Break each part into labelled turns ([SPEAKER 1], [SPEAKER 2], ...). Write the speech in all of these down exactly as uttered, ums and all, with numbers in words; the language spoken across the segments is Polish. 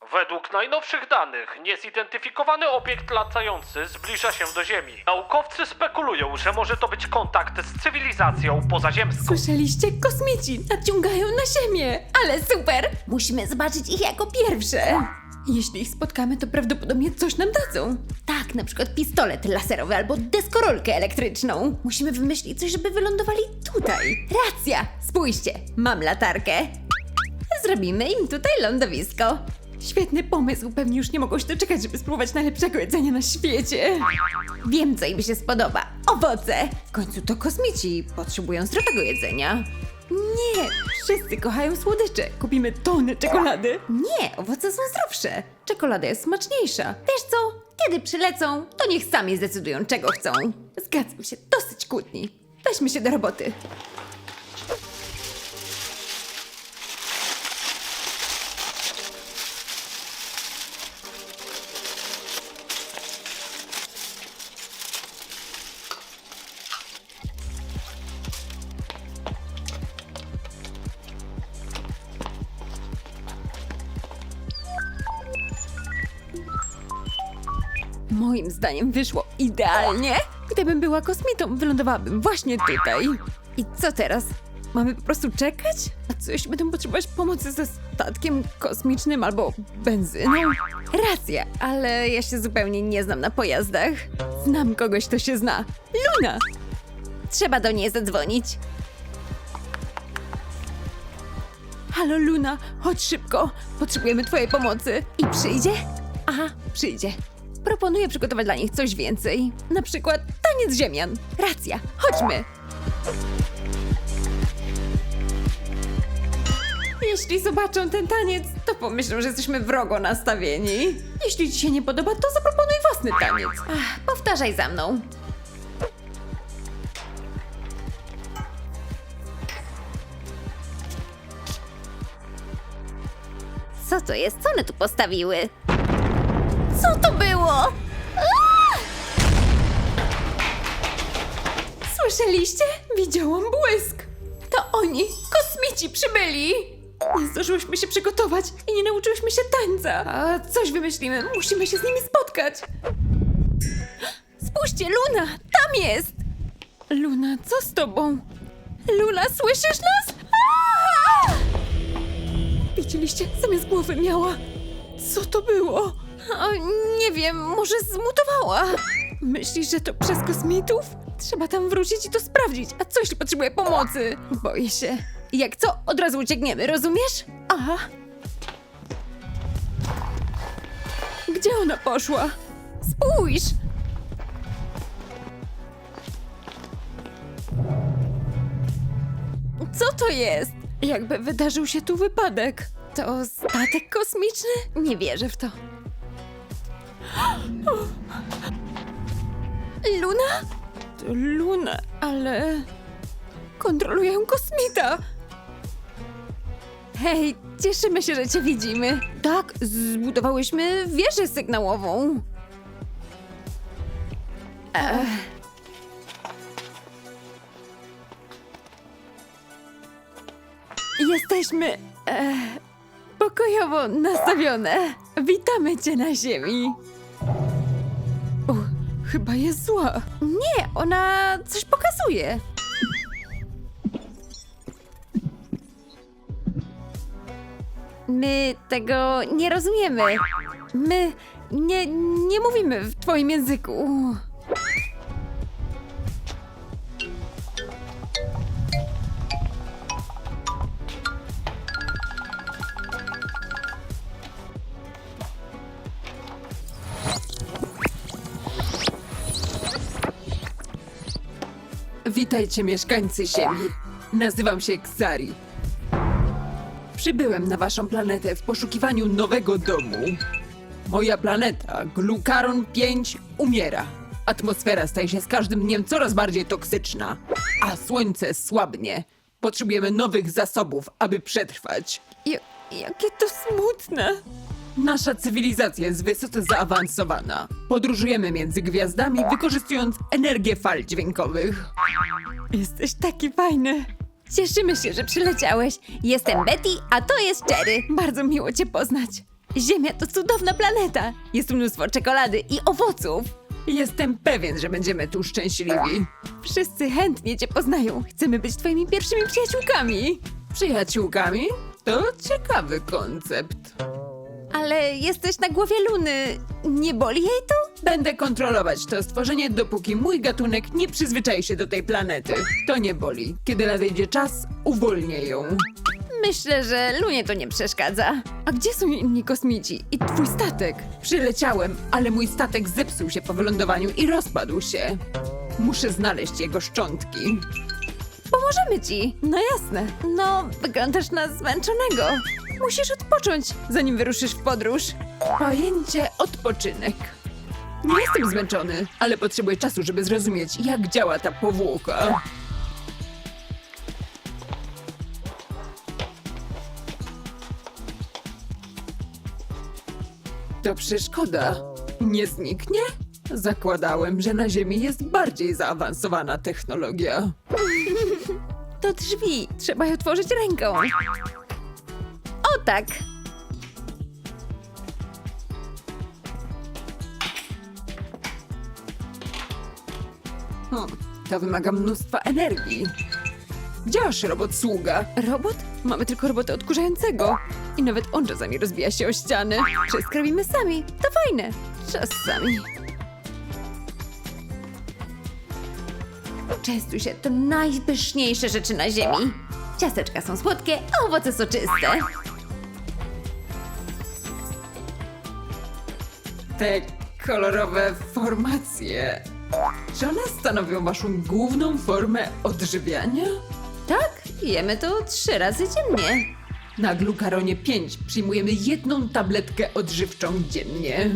[SPEAKER 1] Według najnowszych danych niezidentyfikowany obiekt latający zbliża się do Ziemi. Naukowcy spekulują, że może to być kontakt z cywilizacją pozaziemską.
[SPEAKER 2] Słyszeliście? Kosmici nadciągają na Ziemię! Ale super! Musimy zobaczyć ich jako pierwsze! Jeśli ich spotkamy, to prawdopodobnie coś nam dadzą. Tak, na przykład pistolet laserowy albo deskorolkę elektryczną. Musimy wymyślić coś, żeby wylądowali tutaj. Racja! Spójrzcie, mam latarkę. Zrobimy im tutaj lądowisko. Świetny pomysł, pewnie już nie mogą się doczekać, żeby spróbować najlepszego jedzenia na świecie. Wiem, co im się spodoba. Owoce! W końcu to kosmici, potrzebują zdrowego jedzenia. Nie, wszyscy kochają słodycze. Kupimy tony czekolady. Nie, owoce są zdrowsze. Czekolada jest smaczniejsza. Wiesz co? Kiedy przylecą, to niech sami zdecydują, czego chcą. Zgadzam się, dosyć kłótni. Weźmy się do roboty. Moim zdaniem wyszło idealnie. Gdybym była kosmitą, wylądowałabym właśnie tutaj. I co teraz? Mamy po prostu czekać? A co jeśli będą potrzebować pomocy ze statkiem kosmicznym albo benzyną? Racja, ale ja się zupełnie nie znam na pojazdach. Znam kogoś, kto się zna. Luna! Trzeba do niej zadzwonić. Halo Luna, chodź szybko. Potrzebujemy twojej pomocy. I przyjdzie? Aha, przyjdzie. Proponuję przygotować dla nich coś więcej. Na przykład taniec ziemian. Racja, chodźmy. Jeśli zobaczą ten taniec, to pomyślą, że jesteśmy wrogo nastawieni. Jeśli ci się nie podoba, to zaproponuj własny taniec. Ach, powtarzaj za mną.
[SPEAKER 3] Co to jest? Co one tu postawiły?
[SPEAKER 2] Co to było? Aaa! Słyszeliście? Widziałam błysk. To oni, kosmici przybyli. Nie zdążyłyśmy się przygotować i nie nauczyłyśmy się tańca. A coś wymyślimy, musimy się z nimi spotkać. Spójrzcie, Luna, tam jest. Luna, co z tobą? Luna, słyszysz nas? Aaa! Widzieliście? Zamiast głowy miała. Co to było? O, nie wiem, może zmutowała. Myślisz, że to przez kosmitów? Trzeba tam wrócić i to sprawdzić. A co jeśli potrzebuje pomocy? Boję się. Jak co? Od razu uciekniemy, rozumiesz? Aha. Gdzie ona poszła? Spójrz! Co to jest? Jakby wydarzył się tu wypadek. To statek kosmiczny? Nie wierzę w to. Luna? To Luna, ale... kontroluje ją kosmita. Hej, cieszymy się, że cię widzimy. Tak, zbudowałyśmy wieżę sygnałową. Ech. Jesteśmy... E, pokojowo nastawione. Witamy cię na ziemi. O, chyba jest zła. Nie, ona coś pokazuje. My tego nie rozumiemy. My nie, nie mówimy w twoim języku.
[SPEAKER 4] Witajcie mieszkańcy Ziemi. Nazywam się Xari. Przybyłem na waszą planetę w poszukiwaniu nowego domu. Moja planeta, Glukaron pięć, umiera. Atmosfera staje się z każdym dniem coraz bardziej toksyczna, a słońce słabnie. Potrzebujemy nowych zasobów, aby przetrwać.
[SPEAKER 2] Ja, jakie to smutne.
[SPEAKER 4] Nasza cywilizacja jest wysoce zaawansowana. Podróżujemy między gwiazdami, wykorzystując energię fal dźwiękowych.
[SPEAKER 2] Jesteś taki fajny. Cieszymy się, że przyleciałeś. Jestem Betty, a to jest Cherry. Bardzo miło cię poznać. Ziemia to cudowna planeta. Jest mnóstwo czekolady i owoców.
[SPEAKER 4] Jestem pewien, że będziemy tu szczęśliwi.
[SPEAKER 2] Wszyscy chętnie cię poznają. Chcemy być twoimi pierwszymi przyjaciółkami.
[SPEAKER 4] Przyjaciółkami? To ciekawy koncept.
[SPEAKER 2] Ale jesteś na głowie Luny. Nie boli jej to?
[SPEAKER 4] Będę kontrolować to stworzenie, dopóki mój gatunek nie przyzwyczai się do tej planety. To nie boli. Kiedy nadejdzie czas, uwolnię ją.
[SPEAKER 2] Myślę, że Lunie to nie przeszkadza. A gdzie są inni kosmici? I twój statek?
[SPEAKER 4] Przyleciałem, ale mój statek zepsuł się po wylądowaniu i rozpadł się. Muszę znaleźć jego szczątki.
[SPEAKER 2] Pomożemy ci. No jasne. No, wyglądasz na zmęczonego. Musisz odpocząć, zanim wyruszysz w podróż.
[SPEAKER 4] Pojęcie odpoczynek. Nie jestem zmęczony, ale potrzebuję czasu, żeby zrozumieć, jak działa ta powłoka. To przeszkoda. Nie zniknie? Zakładałem, że na Ziemi jest bardziej zaawansowana technologia.
[SPEAKER 2] To drzwi. Trzeba je otworzyć ręką. O tak.
[SPEAKER 4] Hmm, to wymaga mnóstwa energii. Gdzie masz robot sługa?
[SPEAKER 2] Robot? Mamy tylko robota odkurzającego. I nawet on czasami rozbija się o ściany. Wszystko robimy sami. To fajne. Czasami. Częstuj się. To najpyszniejsze rzeczy na ziemi. Ciasteczka są słodkie, a owoce soczyste.
[SPEAKER 4] Te kolorowe formacje. Czy one stanowią waszą główną formę odżywiania?
[SPEAKER 2] Tak, jemy to trzy razy dziennie.
[SPEAKER 4] Na Glucaronie pięć przyjmujemy jedną tabletkę odżywczą dziennie.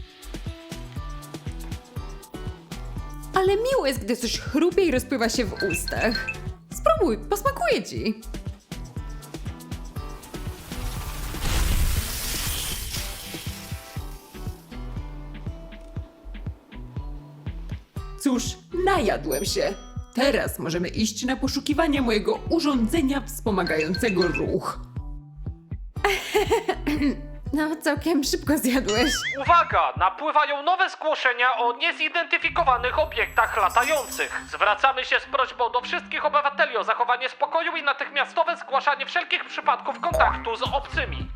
[SPEAKER 2] Ale miło jest, gdy coś chrupie i rozpływa się w ustach. Spróbuj, posmakuje ci.
[SPEAKER 4] Cóż, najadłem się. Teraz możemy iść na poszukiwanie mojego urządzenia wspomagającego ruch.
[SPEAKER 2] No, całkiem szybko zjadłeś.
[SPEAKER 1] Uwaga! Napływają nowe zgłoszenia o niezidentyfikowanych obiektach latających. Zwracamy się z prośbą do wszystkich obywateli o zachowanie spokoju i natychmiastowe zgłaszanie wszelkich przypadków kontaktu z obcymi.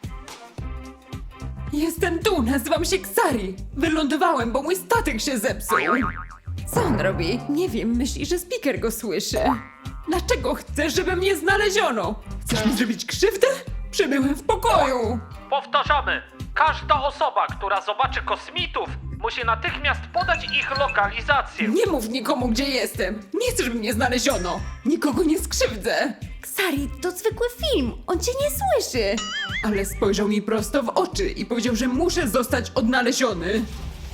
[SPEAKER 4] Jestem tu, nazywam się Ksari. Wylądowałem, bo mój statek się zepsuł.
[SPEAKER 2] Co on robi? Nie wiem, myśli, że speaker go słyszy.
[SPEAKER 4] Dlaczego chcesz, żeby mnie znaleziono? Chcesz mi zrobić krzywdę? Przybyłem w pokoju.
[SPEAKER 1] Powtarzamy, każda osoba, która zobaczy kosmitów, musi natychmiast podać ich lokalizację.
[SPEAKER 4] Nie mów nikomu, gdzie jestem. Nie chcę, żeby mnie znaleziono. Nikogo nie skrzywdzę.
[SPEAKER 2] Ksari, to zwykły film. On cię nie słyszy.
[SPEAKER 4] Ale spojrzał mi prosto w oczy i powiedział, że muszę zostać odnaleziony.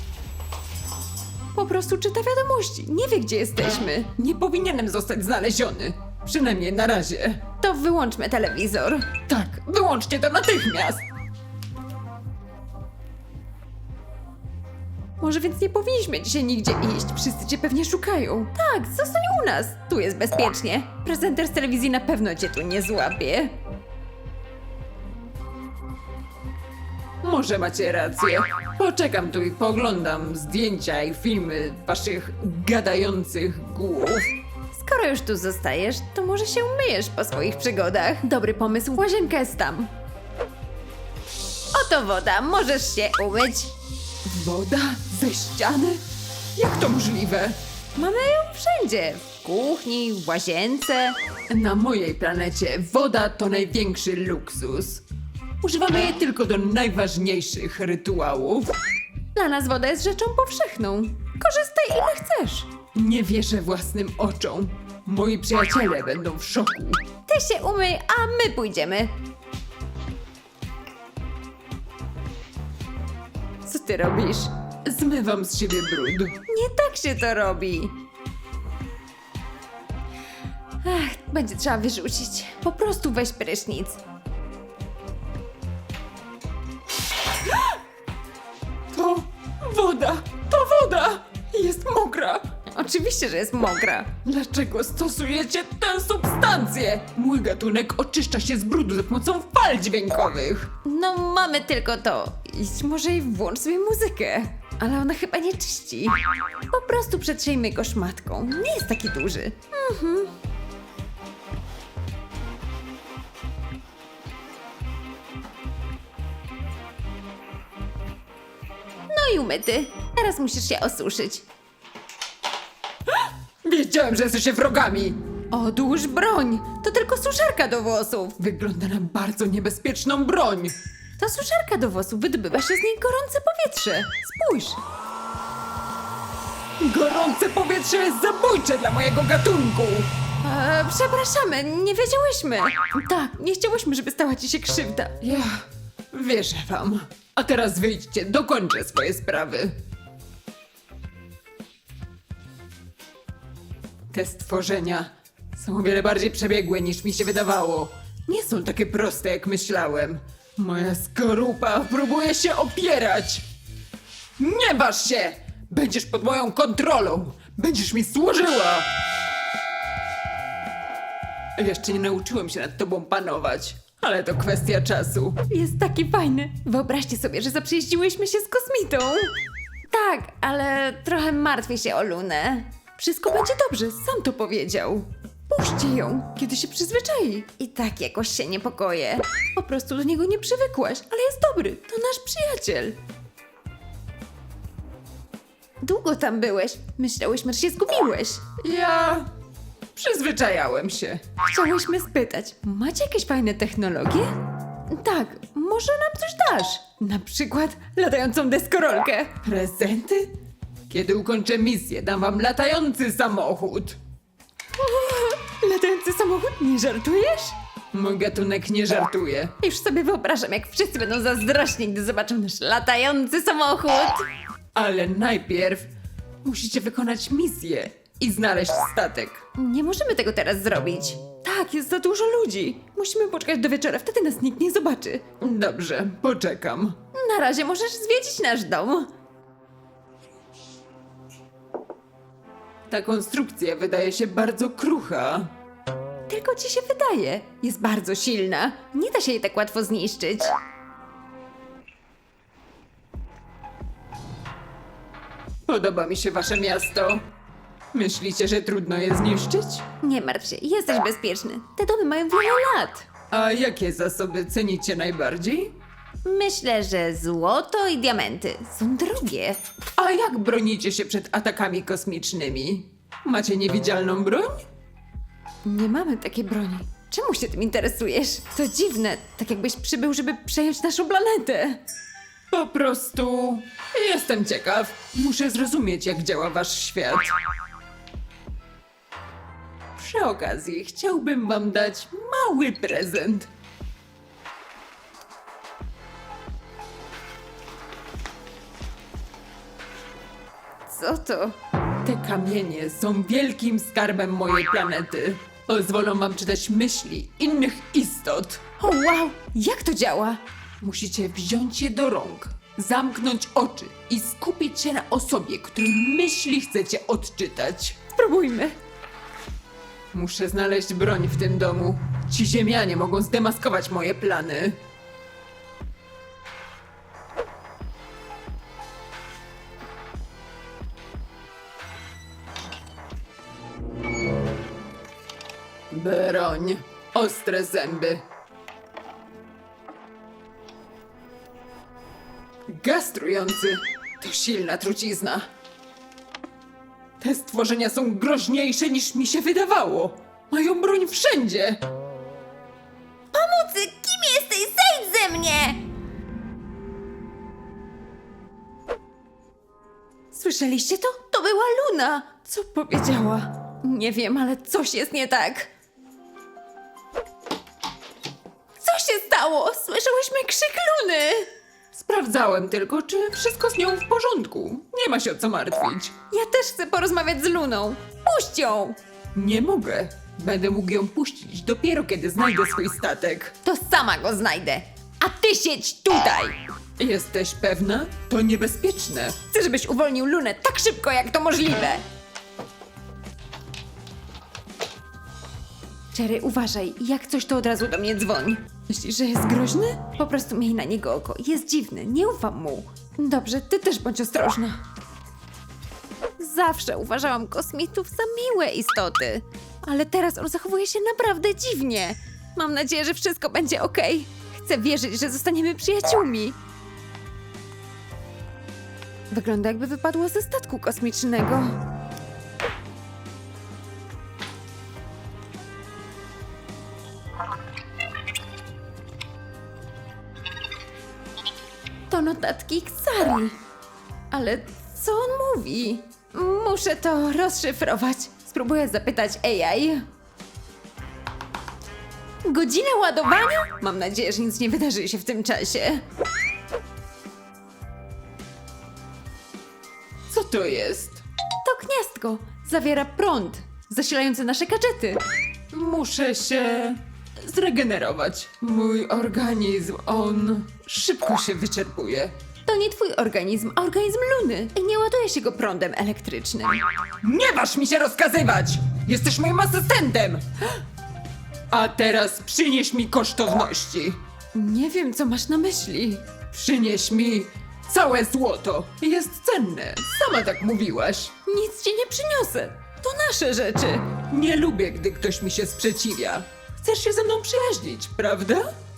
[SPEAKER 2] Po prostu czyta wiadomości. Nie wie, gdzie jesteśmy.
[SPEAKER 4] Nie powinienem zostać znaleziony. Przynajmniej na razie.
[SPEAKER 2] To wyłączmy telewizor.
[SPEAKER 4] Tak, wyłączcie to natychmiast.
[SPEAKER 2] Może więc nie powinniśmy dzisiaj nigdzie iść. Wszyscy cię pewnie szukają. Tak, zostań u nas. Tu jest bezpiecznie. Prezenter z telewizji na pewno cię tu nie złapie.
[SPEAKER 4] Może macie rację. Poczekam tu i poglądam zdjęcia i filmy waszych gadających głów.
[SPEAKER 2] Skoro już tu zostajesz, to może się umyjesz po swoich przygodach. Dobry pomysł, łazienka jest tam. Oto woda, możesz się umyć.
[SPEAKER 4] Woda ze ściany? Jak to możliwe?
[SPEAKER 2] Mamy ją wszędzie. W kuchni, w łazience.
[SPEAKER 4] Na mojej planecie woda to największy luksus. Używamy jej tylko do najważniejszych rytuałów.
[SPEAKER 2] Dla nas woda jest rzeczą powszechną. Korzystaj ile chcesz.
[SPEAKER 4] Nie wierzę własnym oczom. Moi przyjaciele będą w szoku.
[SPEAKER 2] Ty się umyj, a my pójdziemy. Co ty robisz?
[SPEAKER 4] Zmywam z siebie brud.
[SPEAKER 2] Nie tak się to robi. Ach, będzie trzeba wyrzucić. Po prostu weź prysznic.
[SPEAKER 4] To woda! To woda! Jest mokra!
[SPEAKER 2] oczywiście, że jest mokra.
[SPEAKER 4] Dlaczego stosujecie tę substancję? Mój gatunek oczyszcza się z brudu za pomocą fal dźwiękowych.
[SPEAKER 2] No, mamy tylko to. Idź może i włącz sobie muzykę. Ale ona chyba nie czyści. Po prostu przetrzyjmy go szmatką. Nie jest taki duży. Mhm. No i umyty. Teraz musisz się osuszyć.
[SPEAKER 4] Wiedziałem, że jesteście wrogami.
[SPEAKER 2] Odłóż broń. To tylko suszarka do włosów.
[SPEAKER 4] Wygląda na bardzo niebezpieczną broń.
[SPEAKER 2] Ta suszarka do włosów wydobywa się z niej gorące powietrze. Spójrz.
[SPEAKER 4] Gorące powietrze jest zabójcze dla mojego gatunku.
[SPEAKER 2] E, przepraszamy, nie wiedziałyśmy. Tak, nie chciałyśmy, żeby stała ci się krzywda.
[SPEAKER 4] Ja wierzę wam. A teraz wyjdźcie, dokończę swoje sprawy. Te stworzenia są o wiele bardziej przebiegłe niż mi się wydawało. Nie są takie proste jak myślałem. Moja skorupa próbuje się opierać. Nie waż się! Będziesz pod moją kontrolą! Będziesz mi służyła! Jeszcze nie nauczyłem się nad tobą panować, ale to kwestia czasu.
[SPEAKER 2] Jest taki fajny. Wyobraźcie sobie, że zaprzyjaźniłyśmy się z kosmitą. Tak, ale trochę martwię się o Lunę. Wszystko będzie dobrze, sam to powiedział. Puśćcie ją, kiedy się przyzwyczai. I tak jakoś się niepokoję. Po prostu do niego nie przywykłaś, ale jest dobry, to nasz przyjaciel. Długo tam byłeś. Myślałyśmy, że się zgubiłeś.
[SPEAKER 4] Ja przyzwyczajałem się.
[SPEAKER 2] Chciałyśmy spytać, macie jakieś fajne technologie? Tak, może nam coś dasz? Na przykład latającą deskorolkę.
[SPEAKER 4] Prezenty? Kiedy ukończę misję, dam wam latający samochód.
[SPEAKER 2] Latający samochód? Nie żartujesz?
[SPEAKER 4] Mój gatunek nie żartuje.
[SPEAKER 2] Już sobie wyobrażam, jak wszyscy będą zazdrośni, gdy zobaczą nasz latający samochód.
[SPEAKER 4] Ale najpierw musicie wykonać misję i znaleźć statek.
[SPEAKER 2] Nie możemy tego teraz zrobić. Tak, jest za dużo ludzi. Musimy poczekać do wieczora, wtedy nas nikt nie zobaczy.
[SPEAKER 4] Dobrze, poczekam.
[SPEAKER 2] Na razie możesz zwiedzić nasz dom.
[SPEAKER 4] Ta konstrukcja wydaje się bardzo krucha.
[SPEAKER 2] Tylko ci się wydaje. Jest bardzo silna. Nie da się jej tak łatwo zniszczyć.
[SPEAKER 4] Podoba mi się wasze miasto. Myślicie, że trudno je zniszczyć?
[SPEAKER 2] Nie martw się, jesteś bezpieczny. Te domy mają wiele lat.
[SPEAKER 4] A jakie zasoby cenicie najbardziej?
[SPEAKER 2] Myślę, że złoto i diamenty są drogie.
[SPEAKER 4] A jak bronicie się przed atakami kosmicznymi? Macie niewidzialną broń?
[SPEAKER 2] Nie mamy takiej broni. Czemu się tym interesujesz? To dziwne, tak jakbyś przybył, żeby przejąć naszą planetę.
[SPEAKER 4] Po prostu jestem ciekaw. Muszę zrozumieć, jak działa wasz świat. Przy okazji chciałbym wam dać mały prezent.
[SPEAKER 2] Co to?
[SPEAKER 4] Te kamienie są wielkim skarbem mojej planety. Pozwolą wam czytać myśli innych istot.
[SPEAKER 2] O wow, jak to działa?
[SPEAKER 4] Musicie wziąć je do rąk, zamknąć oczy i skupić się na osobie, której myśli chcecie odczytać.
[SPEAKER 2] Spróbujmy.
[SPEAKER 4] Muszę znaleźć broń w tym domu. Ci ziemianie mogą zdemaskować moje plany. Broń. Ostre zęby. Gaz trujący. To silna trucizna. Te stworzenia są groźniejsze niż mi się wydawało. Mają broń wszędzie.
[SPEAKER 3] Pomocy! Kim jesteś? Zejdź ze mnie!
[SPEAKER 2] Słyszeliście to? To była Luna. Co powiedziała? Nie wiem, ale coś jest nie tak. Co się stało? Słyszałyśmy krzyk Luny.
[SPEAKER 4] Sprawdzałem tylko, czy wszystko z nią w porządku. Nie ma się o co martwić.
[SPEAKER 2] Ja też chcę porozmawiać z Luną. Puść ją!
[SPEAKER 4] Nie mogę. Będę mógł ją puścić dopiero kiedy znajdę swój statek.
[SPEAKER 2] To sama go znajdę. A ty siedź tutaj!
[SPEAKER 4] Jesteś pewna? To niebezpieczne.
[SPEAKER 2] Chcę, żebyś uwolnił Lunę tak szybko, jak to możliwe. Cherry, uważaj. Jak coś, to od razu do mnie dzwoń. Myślisz, że jest groźny? Po prostu miej na niego oko. Jest dziwny, nie ufam mu. Dobrze, ty też bądź ostrożna. Zawsze uważałam kosmitów za miłe istoty. Ale teraz on zachowuje się naprawdę dziwnie. Mam nadzieję, że wszystko będzie okej. Chcę wierzyć, że zostaniemy przyjaciółmi. Wygląda, jakby wypadło ze statku kosmicznego. To notatki Ksari. Ale co on mówi? Muszę to rozszyfrować. Spróbuję zapytać A I. Godzina ładowania? Mam nadzieję, że nic nie wydarzy się w tym czasie.
[SPEAKER 4] Co to jest?
[SPEAKER 2] To gniazdko. Zawiera prąd, zasilający nasze gadżety.
[SPEAKER 4] Muszę się zregenerować. Mój organizm, on szybko się wyczerpuje.
[SPEAKER 2] To nie twój organizm, a organizm Luny. I nie ładuje się go prądem elektrycznym.
[SPEAKER 4] Nie masz mi się rozkazywać! Jesteś moim asystentem! A teraz przynieś mi kosztowności.
[SPEAKER 2] Nie wiem, co masz na myśli.
[SPEAKER 4] Przynieś mi całe złoto. Jest cenne. Sama tak mówiłaś.
[SPEAKER 2] Nic ci nie przyniosę. To nasze rzeczy.
[SPEAKER 4] Nie lubię, gdy ktoś mi się sprzeciwia. Chcesz się ze mną przyjaźnić, prawda?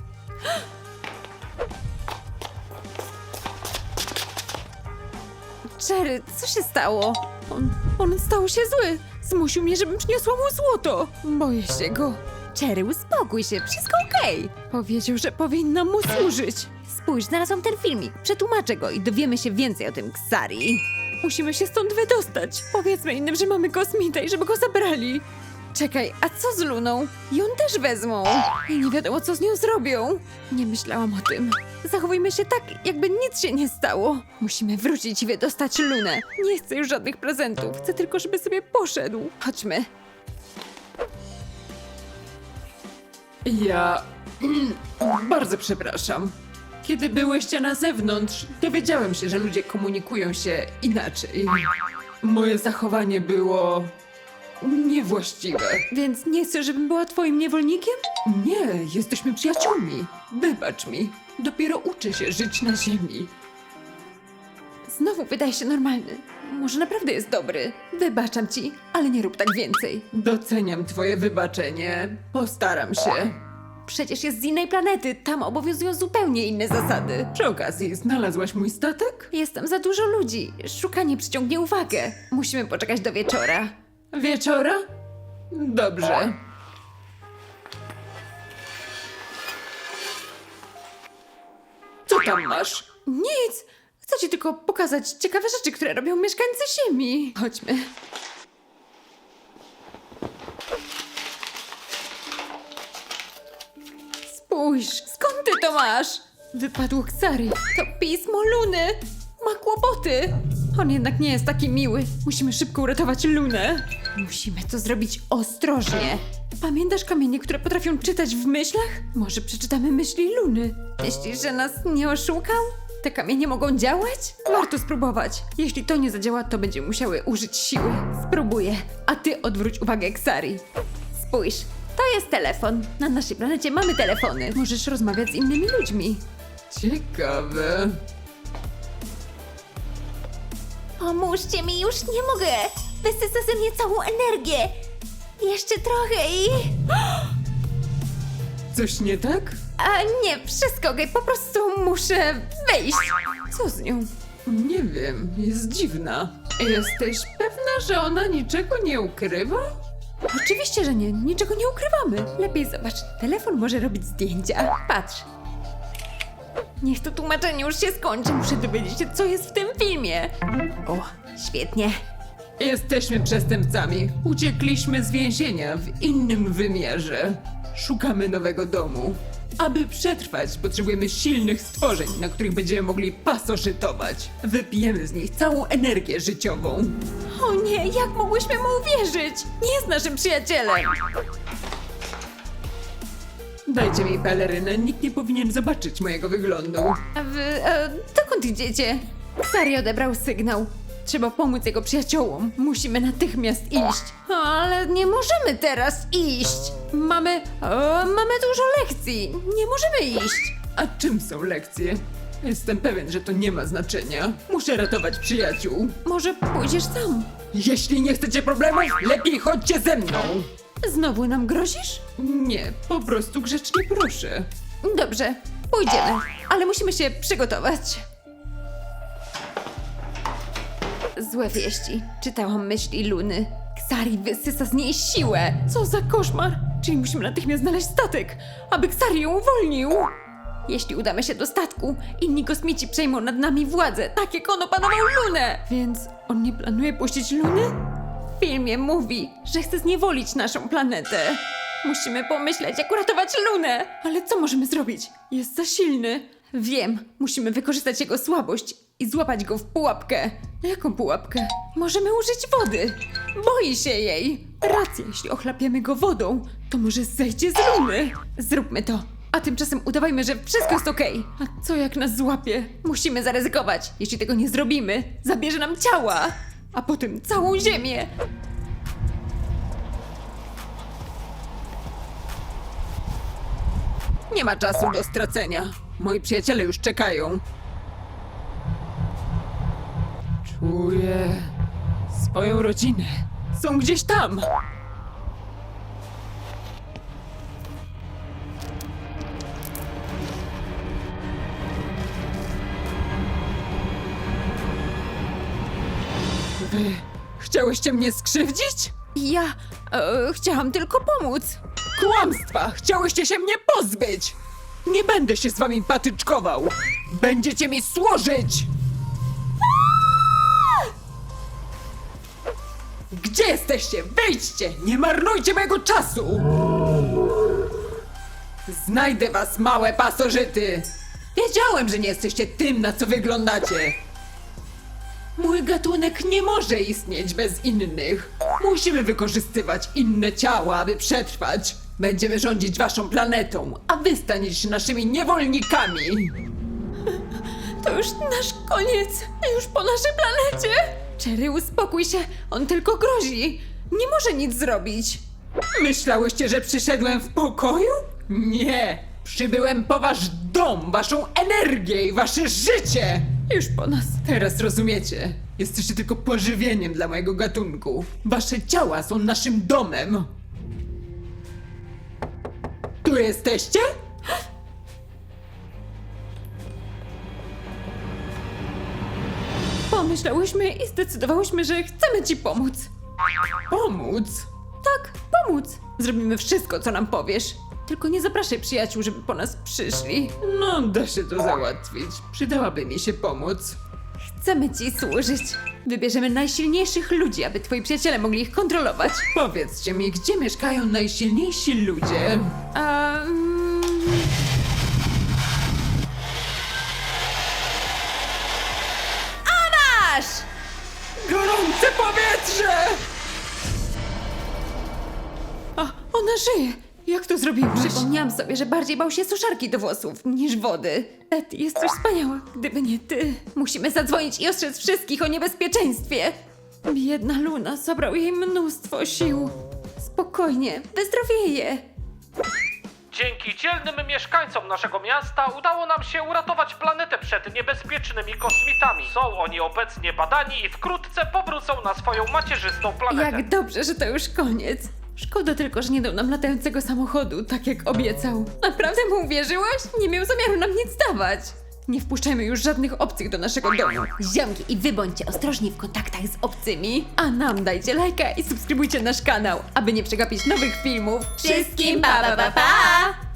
[SPEAKER 2] Cherry, co się stało? On, on stał się zły. Zmusił mnie, żebym przyniosła mu złoto. Boję się go. Cherry, uspokój się, wszystko okej. Powiedział, że powinnam mu służyć. Spójrz, znalazłam ten filmik. Przetłumaczę go i dowiemy się więcej o tym Ksari. Musimy się stąd wydostać. Powiedzmy innym, że mamy kosmita i żeby go zabrali. Czekaj, a co z Luną? Ją też wezmą. I nie wiadomo, co z nią zrobią. Nie myślałam o tym. Zachowujmy się tak, jakby nic się nie stało. Musimy wrócić i wydostać Lunę. Nie chcę już żadnych prezentów. Chcę tylko, żeby sobie poszedł. Chodźmy.
[SPEAKER 4] Ja bardzo przepraszam. Kiedy byłyście na zewnątrz, dowiedziałem się, że ludzie komunikują się inaczej. Moje zachowanie było niewłaściwe.
[SPEAKER 2] Więc nie chcesz, żebym była twoim niewolnikiem?
[SPEAKER 4] Nie, jesteśmy przyjaciółmi. Wybacz mi. Dopiero uczę się żyć na ziemi.
[SPEAKER 2] Znowu wydaje się normalny. Może naprawdę jest dobry. Wybaczam ci, ale nie rób tak więcej.
[SPEAKER 4] Doceniam twoje wybaczenie. Postaram się.
[SPEAKER 2] Przecież jest z innej planety. Tam obowiązują zupełnie inne zasady.
[SPEAKER 4] Przy okazji, znalazłaś mój statek?
[SPEAKER 2] Jest tam za dużo ludzi. Szukanie przyciągnie uwagę. Musimy poczekać do wieczora.
[SPEAKER 4] Wieczora? Dobrze. Co tam masz?
[SPEAKER 2] Nic! Chcę ci tylko pokazać ciekawe rzeczy, które robią mieszkańcy Ziemi. Chodźmy. Spójrz, skąd ty to masz? Wypadło Ksari. To pismo Luny. Ma kłopoty. On jednak nie jest taki miły. Musimy szybko uratować Lunę. Musimy to zrobić ostrożnie. Pamiętasz kamienie, które potrafią czytać w myślach? Może przeczytamy myśli Luny. Myślisz, że nas nie oszukał? Te kamienie mogą działać? Warto spróbować. Jeśli to nie zadziała, to będziemy musiały użyć siły. Spróbuję, a ty odwróć uwagę Ksari. Spójrz, to jest telefon. Na naszej planecie mamy telefony. Możesz rozmawiać z innymi ludźmi.
[SPEAKER 4] Ciekawe.
[SPEAKER 3] Pomóżcie mi, już nie mogę. Wysysa ze mnie całą energię. Jeszcze trochę i...
[SPEAKER 4] Coś nie tak?
[SPEAKER 2] A nie, wszystko okej, po prostu muszę wyjść. Co z nią?
[SPEAKER 4] Nie wiem, jest dziwna. Jesteś pewna, że ona niczego nie ukrywa?
[SPEAKER 2] Oczywiście, że nie, niczego nie ukrywamy. Lepiej zobacz, telefon może robić zdjęcia. Patrz. Niech to tłumaczenie już się skończy, muszę dowiedzieć się, co jest w tym filmie. O, świetnie.
[SPEAKER 4] Jesteśmy przestępcami. Uciekliśmy z więzienia w innym wymiarze. Szukamy nowego domu. Aby przetrwać, potrzebujemy silnych stworzeń, na których będziemy mogli pasożytować. Wypijemy z nich całą energię życiową.
[SPEAKER 2] O nie, jak mogłyśmy mu uwierzyć? Nie jest naszym przyjacielem.
[SPEAKER 4] Dajcie mi pelerynę, nikt nie powinien zobaczyć mojego wyglądu.
[SPEAKER 2] A wy, e, dokąd idziecie? Ksari odebrał sygnał. Trzeba pomóc jego przyjaciołom. Musimy natychmiast iść. Ale nie możemy teraz iść. Mamy... E, mamy dużo lekcji. Nie możemy iść.
[SPEAKER 4] A czym są lekcje? Jestem pewien, że to nie ma znaczenia. Muszę ratować przyjaciół.
[SPEAKER 2] Może pójdziesz sam?
[SPEAKER 4] Jeśli nie chcecie problemów, lepiej chodźcie ze mną.
[SPEAKER 2] Znowu nam grozisz?
[SPEAKER 4] Nie, po prostu grzecznie proszę.
[SPEAKER 2] Dobrze, pójdziemy. Ale musimy się przygotować. Złe wieści. Czytałam myśli Luny. Ksari wysysa z niej siłę. Co za koszmar. Czyli musimy natychmiast znaleźć statek, aby Ksari ją uwolnił. Jeśli udamy się do statku, inni kosmici przejmą nad nami władzę, tak jak on opanował Lunę. Więc on nie planuje puścić Luny? W filmie mówi, że chce zniewolić naszą planetę. Musimy pomyśleć, jak uratować Lunę. Ale co możemy zrobić? Jest za silny. Wiem, musimy wykorzystać jego słabość i złapać go w pułapkę. Jaką pułapkę? Możemy użyć wody. Boi się jej. Racja, jeśli ochlapiemy go wodą, to może zejdzie z Luny. Zróbmy to. A tymczasem udawajmy, że wszystko jest okej. A co jak nas złapie? Musimy zaryzykować. Jeśli tego nie zrobimy, zabierze nam ciała. A potem całą ziemię.
[SPEAKER 4] Nie ma czasu do stracenia. Moi przyjaciele już czekają. Czuję swoją rodzinę. Są gdzieś tam. Wy chciałyście mnie skrzywdzić?
[SPEAKER 2] Ja e, chciałam tylko pomóc.
[SPEAKER 4] Kłamstwa! Chciałyście się mnie pozbyć! Nie będę się z wami patyczkował! Będziecie mi służyć! Gdzie jesteście? Wyjdźcie! Nie marnujcie mojego czasu! Znajdę was, małe pasożyty! Wiedziałem, że nie jesteście tym, na co wyglądacie! Mój gatunek nie może istnieć bez innych. Musimy wykorzystywać inne ciała, aby przetrwać. Będziemy rządzić waszą planetą, a wy staniecie się naszymi niewolnikami.
[SPEAKER 2] To już nasz koniec. Już po naszej planecie. Cherry, uspokój się. On tylko grozi. Nie może nic zrobić.
[SPEAKER 4] Myślałyście, że przyszedłem w pokoju? Nie! Przybyłem po wasz dom, waszą energię i wasze życie!
[SPEAKER 2] Już po nas.
[SPEAKER 4] Teraz rozumiecie. Jesteście tylko pożywieniem dla mojego gatunku. Wasze ciała są naszym domem. Tu jesteście?
[SPEAKER 2] Pomyślałyśmy i zdecydowałyśmy, że chcemy ci pomóc.
[SPEAKER 4] Pomóc?
[SPEAKER 2] Tak, pomóc. Zrobimy wszystko, co nam powiesz. Tylko nie zapraszaj przyjaciół, żeby po nas przyszli.
[SPEAKER 4] No, da się to załatwić. Przydałaby mi się pomóc.
[SPEAKER 2] Chcemy ci służyć. Wybierzemy najsilniejszych ludzi, aby twoi przyjaciele mogli ich kontrolować.
[SPEAKER 4] Powiedzcie mi, gdzie mieszkają najsilniejsi ludzie?
[SPEAKER 2] Um... Masz!
[SPEAKER 4] Gorące powietrze!
[SPEAKER 2] A, ona żyje! Jak to zrobiłaś? Przypomniałam sobie, że bardziej bał się suszarki do włosów niż wody. Betty, jesteś wspaniała. Gdyby nie ty. Musimy zadzwonić i ostrzec wszystkich o niebezpieczeństwie. Biedna Luna, zabrał jej mnóstwo sił. Spokojnie, wyzdrowieje.
[SPEAKER 1] Dzięki dzielnym mieszkańcom naszego miasta udało nam się uratować planetę przed niebezpiecznymi kosmitami. Są oni obecnie badani i wkrótce powrócą na swoją macierzystą planetę.
[SPEAKER 2] Jak dobrze, że to już koniec. Szkoda tylko, że nie dał nam latającego samochodu, tak jak obiecał. Naprawdę mu uwierzyłaś? Nie miał zamiaru nam nic dawać. Nie wpuszczajmy już żadnych obcych do naszego domu. Ziomki, i wy bądźcie ostrożni w kontaktach z obcymi. A nam dajcie lajka i subskrybujcie nasz kanał, aby nie przegapić nowych filmów.
[SPEAKER 3] Wszystkim pa pa pa pa!